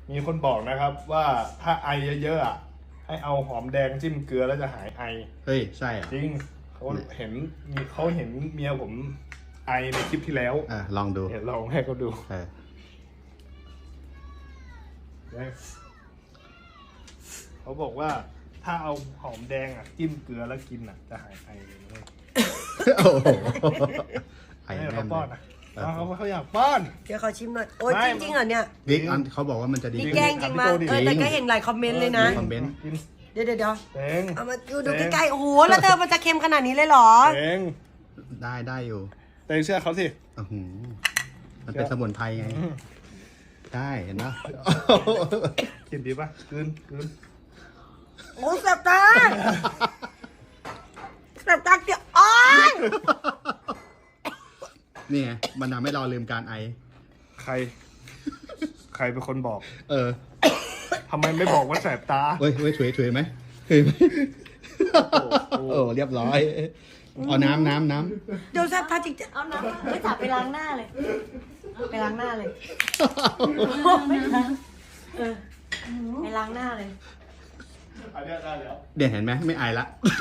มีคนบอกนะครับว่าถ้าไอเยอะๆอ่ะให้เอาหอมแดงจิ้มเกลือแล้วจะหายไอเฮ้ยใช่อ่ะจริงเขาเห็นเมียผมไอในคลิปที่แล้วลองดูเห็นลองให้เขาดูเขาบอกว่าถ้าเอาหอมแดงอ่ะจิ้มเกลือแล้วกินอ่ะจะหายไอเลยโอ้โหไอ้ให้แน่เขานป้อนอ่ะเขาอยากป้อนเดี๋ยวเขาชิมหน่อยโอ้ยจริงๆเหรอเนี่ยบิ๊กอันเขาบอกว่ามันจะดีนี่แกล้งจริงมั้ยแต่ก็เห็นหลายคอมเมนต์เลยนะคอมเมนต์กินเดี๋ยวเต็งเอามาดูใกล้ๆโอ้โหแล้วเธอมันจะเค็มขนาดนี้เลยเหรอเต็งได้อยู่เต็งเชื่อเขาสิอื้อหือมันเป็นสมุนไพรไง ได้เห็นปะกินดีป่ะกลืนโอ้ยแสบตาแสบตาเดี๋ยวอ้อยนี่ไงมันทำให้เราลืมการไอใครเป็นคนบอกอทำไมไม่บอกว่าแสบตาเฮ้ยถุยไหมโอ้เรียบร้อย เอาน้ำเดี๋ยวแสบตาจริงเอาน้ำไม่จับไปล้างหน้าเลยๆไปล้างหน้าเลยไม่ล้างไปล้างหน้าเลยอันนี้ได้แล้วเดี๋ยวเห็นไหมไม่ไอละ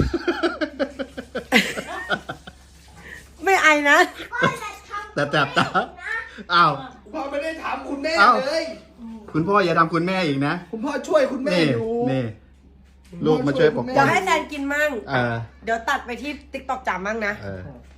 ไม่ไอนะแต่ตาอ้าวพ่อไม่ได้ถามคุณแม่เอ้าเลยคุณพ่ออย่าทำคุณแม่อีกนะคุณพ่อช่วยคุณแม่นี่อยู่นี่ลูกมาช่วยปกเดี๋ป้ยอวงให้แซนกินมั่งเออเดี๋ยวตัดไปที่ติ๊กต็อกจ๋ามั่งนะเออ